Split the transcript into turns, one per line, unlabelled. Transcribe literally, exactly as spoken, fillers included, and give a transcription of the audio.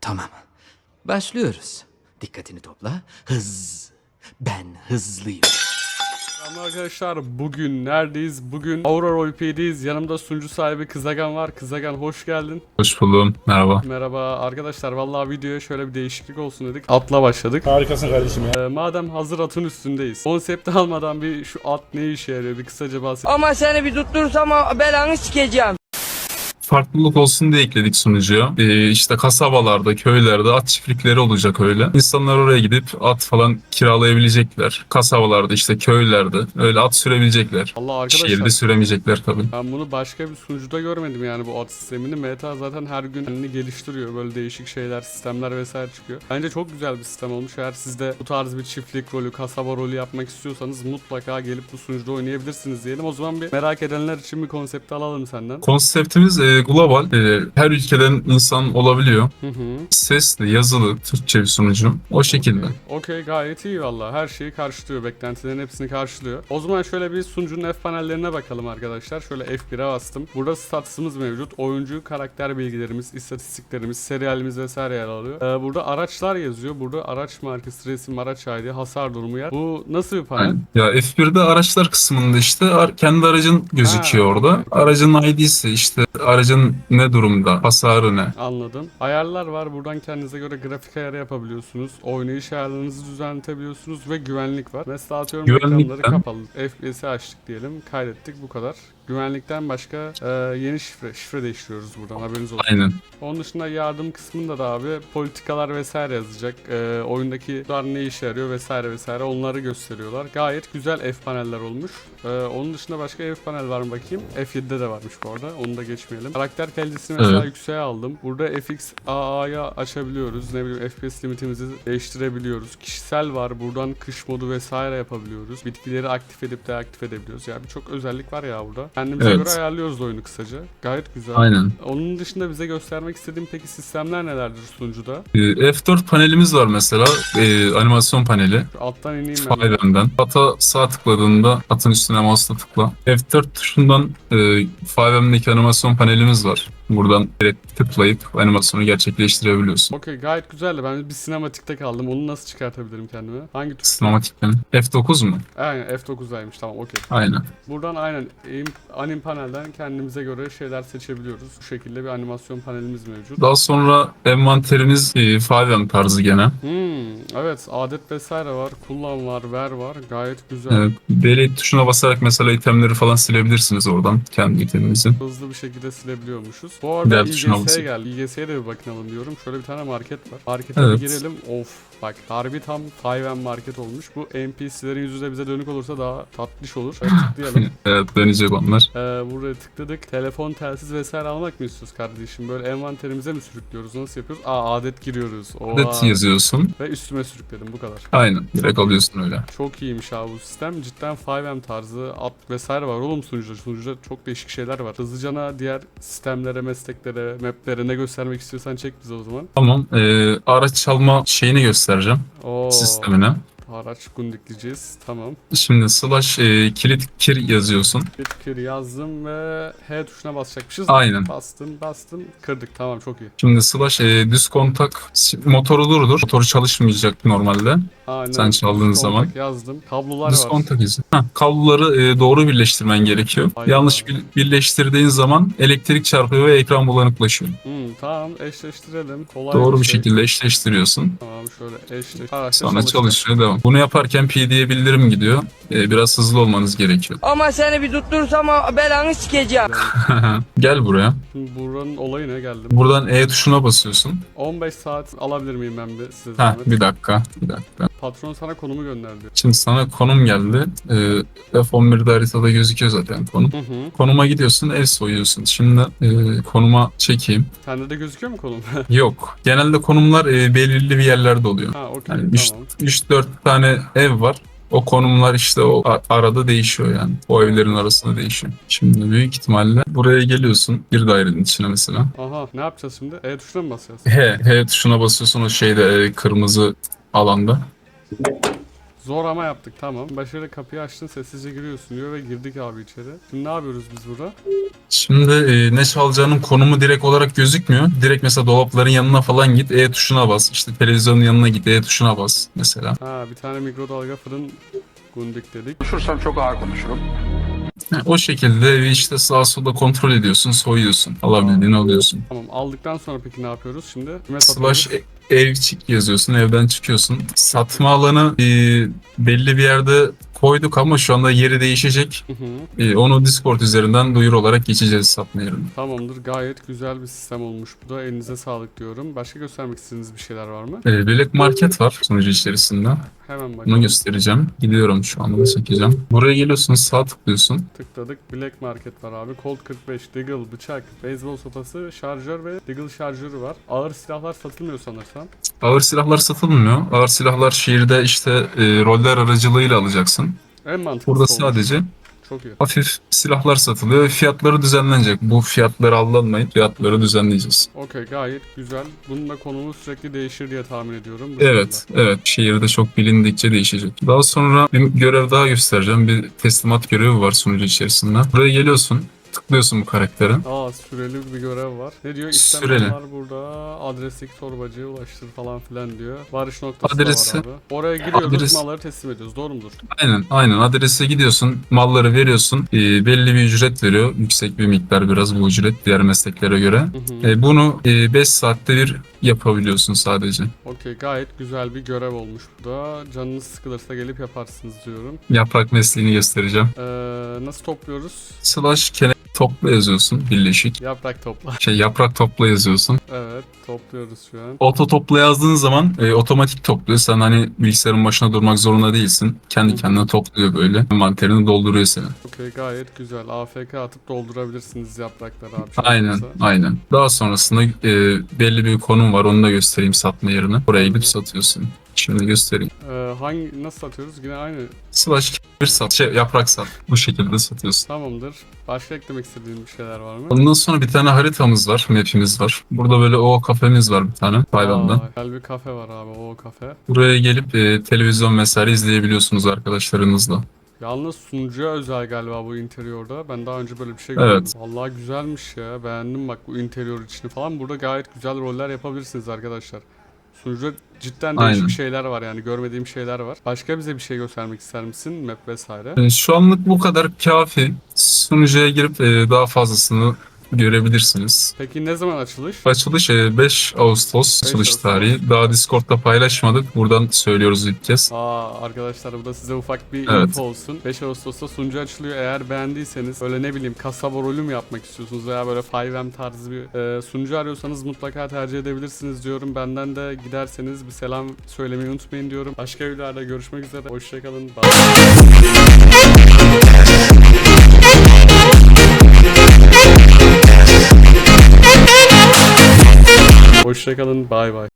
Tamam. Başlıyoruz. Dikkatini topla. Hız. Ben hızlıyım.
Merhaba arkadaşlar, bugün neredeyiz? Bugün Aurora Roleplay'deyiz. Yanımda sunucu sahibi Kızagan var. Kızagan hoş geldin.
Hoş buldum. Merhaba.
Merhaba arkadaşlar, vallahi videoya şöyle bir değişiklik olsun dedik. Atla başladık.
Harikasın kardeşim ya.
Ee, madem hazır atın üstündeyiz. Konsepti almadan bir şu at ne işe yarıyor bir kısaca bahset.
Ama seni bir tutturursam belanı sikeceğim.
Farklılık olsun diye ekledik sunucuya. Ee, işte kasabalarda, köylerde at çiftlikleri olacak öyle. İnsanlar oraya gidip at falan kiralayabilecekler. Kasabalarda işte köylerde öyle at sürebilecekler.
Allah arkadaşlar.
Şehirde süremeyecekler tabii.
Ben bunu başka bir sunucuda görmedim yani bu at sistemini. Meta zaten her gün kendini geliştiriyor. Böyle değişik şeyler, sistemler vesaire çıkıyor. Bence çok güzel bir sistem olmuş. Eğer siz de bu tarz bir çiftlik rolü, kasaba rolü yapmak istiyorsanız mutlaka gelip bu sunucuda oynayabilirsiniz diyelim. O zaman bir merak edenler için bir konsepti alalım senden.
Konseptimiz e, global. E, her ülkeden insan olabiliyor.
Hı hı.
Sesli, yazılı, Türkçe bir sunucu. O şekilde.
Okey, gayet iyi valla. Her şeyi karşılıyor. Beklentilerin hepsini karşılıyor. O zaman şöyle bir sunucunun F panellerine bakalım arkadaşlar. Şöyle F bire bastım. Burada statsımız mevcut. Oyuncu, karakter bilgilerimiz, istatistiklerimiz, serialimiz vesaire yer alıyor. Ee, burada araçlar yazıyor. Burada araç markası, resim, araç I D, hasar durumu yer. Bu nasıl bir panel?
Aynen. Ya F birde araçlar kısmında işte ar- kendi aracın gözüküyor
Ha,
orada.
okey.
Aracın I D'si işte aracın ne durumda, hasarı ne.
Anladım. Ayarlar var. Buradan kendinize göre grafik ayarı yapabiliyorsunuz. Oynayış ayarlarınızı düzenletebiliyorsunuz ve güvenlik var. Mesela atıyorum
Güvenlikten-
ekranları kapalı. F P S'i açtık diyelim. Kaydettik, bu kadar. Güvenlikten başka e, yeni şifre. Şifre değiştiriyoruz buradan, haberiniz olsun.
Aynen.
Onun dışında yardım kısmında da abi politikalar vesaire yazacak. E, oyundaki dar ne işe yarıyor vesaire vesaire onları gösteriyorlar. Gayet güzel F paneller olmuş. E, onun dışında başka F panel var mı bakayım? F yedide de varmış bu arada. Onu da geçmeyelim. Karakter kalitesini mesela
Evet.
yükseğe aldım. Burada F X A A'ya açabiliyoruz. Ne bileyim F P S limitimizi değiştirebiliyoruz. Kişisel var. Buradan kış modu vesaire yapabiliyoruz. Bitkileri aktif edip deaktif edebiliyoruz. Yani birçok özellik var ya burada. Kendimize
Evet.
göre ayarlıyoruz oyunu kısaca. Gayet güzel.
Aynen.
Onun dışında bize göstermek istediğim peki sistemler nelerdir sunucuda?
Ee, F dört panelimiz var mesela. Ee, animasyon paneli.
Şu alttan ineyim ben.
five M'den. Ata sağ tıkladığında atın üstüne mouse'la tıkla. F dört tuşundan e, five M'deki animasyon panelimiz var. Buradan direkt tıklayıp animasyonu gerçekleştirebiliyorsun.
Okey, gayet güzeldi. Ben bir sinematikte kaldım. Onu nasıl çıkartabilirim kendime? Hangi tuş?
Sinematikten. F dokuz mu?
Aynen F dokuzdaymış, tamam, okey.
Aynen.
Buradan aynen aim- anim panelden kendimize göre şeyler seçebiliyoruz. Bu şekilde bir animasyon panelimiz mevcut.
Daha sonra envanterimiz e, five M tarzı gene.
Hmm, evet, adet vesaire var. Kullan var, ver var. Gayet güzel.
Evet. Delete tuşuna basarak mesela itemleri falan silebilirsiniz oradan kendi iteminizin.
Hızlı bir şekilde silebiliyormuşuz. Bu arada
Diğer tuşuna
İ G S'ye
basın.
geldi. İ G S'ye de bir bakınalım diyorum. Şöyle bir tane market var. Markete bir
Evet.
girelim. Of, bak harbi tam five M market olmuş. Bu N P C'lerin yüzü de bize dönük olursa daha tatlış olur. Evet, tıklayalım.
Evet, dönecek onlar.
Ee, buraya tıkladık. Telefon, telsiz vesaire almak mı istiyoruz kardeşim? Böyle envanterimize mi sürüklüyoruz? Nasıl yapıyoruz? Aa, adet giriyoruz. Oha.
Adet yazıyorsun.
Ve üstüme sürükledim, bu kadar.
Aynen. Direkt alıyorsun öyle.
Çok iyiymiş abi bu sistem. Cidden five M tarzı at vesaire var oğlum sunucuda. Sunucuda çok değişik şeyler var. Hızlıcana diğer sistemlere, mesleklere, maplere ne göstermek istiyorsan çek bize o zaman.
Tamam. Ee, araç çalma şeyini göstereceğim.
Oo,
Sistemine.
araç gundikleyeceğiz. Tamam.
Şimdi slash e, kilit kir yazıyorsun.
Bitker yazdım ve H tuşuna basacakmışız.
Aynen.
Bastım, bastım. Kırdık. Tamam, çok iyi.
Şimdi slash e, düz kontak motoru durdur. Motoru çalışmayacak normalde.
Aynen.
Sen çaldığın
Düz
zaman.
kontak yazdım. Kablolar
Düz
var.
kontak izi. Heh, kabloları e, doğru birleştirmen gerekiyor.
Aynen.
Yanlış bir, birleştirdiğin zaman elektrik çarpıyor ve ekran bulanıklaşıyor.
Hmm, tamam, eşleştirelim. Kolay
Doğru bir
şey.
şekilde eşleştiriyorsun.
Tamam, şöyle eşleş. Araçta
Sonra
çalıştı.
çalışıyor devam. Bunu yaparken P D'ye bildirim gidiyor. E, biraz hızlı olmanız gerekiyor.
Ama seni bir tutturursam belanı sikeceğim.
Gel buraya.
Şimdi buranın olayı ne, geldim.
Buradan E tuşuna basıyorsun.
on beş saat alabilir miyim ben bir size
Heh,
zahmet?
bir dakika. Bir dakika.
Patron sana konumu gönderdi.
Şimdi sana konum geldi. Ee, F on birde haritada gözüküyor zaten konum.
Hı hı.
Konuma gidiyorsun, ev soyuyorsun. Şimdi e, konuma çekeyim.
Sende de gözüküyor mu konum?
Yok. Genelde konumlar e, belirli bir yerlerde oluyor.
Ha, okey,
Yani
tamam.
üç dört tane ev var. O konumlar işte o a- arada değişiyor yani. O evlerin arasında değişiyor. Şimdi büyük ihtimalle buraya geliyorsun. Bir dairenin içine mesela.
Aha, ne yapacağız şimdi? E tuşuna mı basacağız?
H, H tuşuna basıyorsun o şeyde e, kırmızı alanda.
Zor ama yaptık, tamam. Başarılı, kapıyı açtın, sessizce giriyorsun diyor ve girdik abi içeri. Şimdi ne yapıyoruz biz burada?
Şimdi e, ne çalacağının konumu direkt olarak gözükmüyor. Direkt mesela dolapların yanına falan git, E tuşuna bas. İşte televizyonun yanına git, E tuşuna bas mesela.
Ha, bir tane mikrodalga fırın gundik dedik.
Konuşursam çok ağır konuşurum.
Yani o şekilde evi işte sağa sola kontrol ediyorsun, soyuyorsun. Alabildiğini alıyorsun.
Tamam, aldıktan sonra peki ne yapıyoruz şimdi? Kime satıyoruz?
Slash e- ev çık yazıyorsun, evden çıkıyorsun. Satma alanı e, belli bir yerde koyduk ama şu anda yeri değişecek.
Hı hı.
E, onu Discord üzerinden duyuru olarak geçeceğiz satma yerine.
Tamamdır, gayet güzel bir sistem olmuş bu da, elinize sağlık diyorum. Başka göstermek istediğiniz bir şeyler var mı?
E, Black Market var sunucu içerisinde.
Hemen
Bunu
bakalım.
göstereceğim. Gidiyorum şu anda da çekeceğim. Buraya geliyorsun, sağ tıklıyorsun.
Tıkladık, Black Market var abi. Colt kırk beş, Deagle, bıçak, beyzbol sopası, şarjör ve Deagle şarjörü var. Ağır silahlar satılmıyor sanırsam.
Ağır silahlar satılmıyor. Ağır silahlar şehirde işte e, roller aracılığıyla alacaksın.
En mantıklısı
Burada
olmuş.
sadece
Çok iyi.
hafif silahlar satılıyor ve fiyatları düzenlenecek. Bu fiyatları aldanmayın. Fiyatları düzenleyeceğiz.
Okey, gayet güzel. Bunun da konumu sürekli değişir diye tahmin ediyorum. Bu
Evet,
şekilde.
evet. Şehirde çok bilindikçe değişecek. Daha sonra bir görev daha göstereceğim. Bir teslimat görevi var sunucu içerisinde. Buraya geliyorsun. Tıklıyorsun bu karaktere.
Aa, süreli bir görev var. Ne diyor?
Süreli.
İstemeyen var burada. Adresteki torbacıya ulaştır falan filan diyor. Varış noktası
Adresi-
da var abi. Oraya gidiyoruz,
adres-
malları teslim ediyoruz. Doğru mudur?
Aynen, aynen. Adrese gidiyorsun. Malları veriyorsun. Ee, belli bir ücret veriyor. Yüksek bir miktar biraz bu ücret diğer mesleklere göre.
Hı hı.
Ee, bunu beş saatte bir yapabiliyorsun sadece.
Okey, gayet güzel bir görev olmuş bu da. Canınız sıkılırsa gelip yaparsınız diyorum.
Yaprak mesleğini göstereceğim.
Ee, nasıl topluyoruz?
Slash kene topla yazıyorsun birleşik.
Yaprak topla.
Şey yaprak topla yazıyorsun.
Evet, topluyoruz şu an.
Oto topla yazdığın zaman e, otomatik topluyor. Sen hani bilgisayarın başına durmak zorunda değilsin. Kendi
Hı.
kendine topluyor böyle. Envanterini dolduruyor seni.
Okey, gayet güzel. A F K atıp doldurabilirsiniz yaprakları abi.
Aynen,
Olursa.
aynen. Daha sonrasında e, belli bir konum var. Onu da göstereyim satma yerine. Oraya gidip satıyorsun. Şimdi göstereyim.
Ee, hangi nasıl satıyoruz? Yine aynı.
Slash bir sat, şey yaprak sat. Bu şekilde satıyorsun.
Tamamdır. Başka eklemek istediğin bir şeyler var mı?
Ondan sonra bir tane haritamız var, map'imiz var. Burada böyle o kafemiz var bir tane Tayvan'da.
Aa, güzel bir kafe var abi, o kafe.
Buraya gelip e, televizyon vesaire izleyebiliyorsunuz arkadaşlarınızla.
Yalnız sunucuya özel galiba bu interiorda. Ben daha önce böyle bir şey
Evet.
görmedim. Vallahi güzelmiş ya. Beğendim bak bu interior içini falan. Burada gayet güzel roller yapabilirsiniz arkadaşlar. Sunucuda cidden değişik
Aynen.
şeyler var yani. Görmediğim şeyler var. Başka bize bir şey göstermek ister misin? Map vesaire.
E, şu anlık bu kadar kafi. Sunucuya girip e, daha fazlasını görebilirsiniz.
Peki ne zaman açılış?
Açılış e, beş Ağustos açılış
Ağustos.
tarihi. Daha Discord'da paylaşmadık. Buradan söylüyoruz ilk kez.
Aa, arkadaşlar bu da size ufak bir
Evet.
info olsun. beş Ağustos'ta sunucu açılıyor. Eğer beğendiyseniz böyle ne bileyim kasaba rolü mü yapmak istiyorsunuz veya böyle five M tarzı bir e, sunucu arıyorsanız mutlaka tercih edebilirsiniz diyorum. Benden de giderseniz bir selam söylemeyi unutmayın diyorum. Başka videolarda görüşmek üzere. Hoşçakalın. Bye. Hoşçakalın. Bay bay.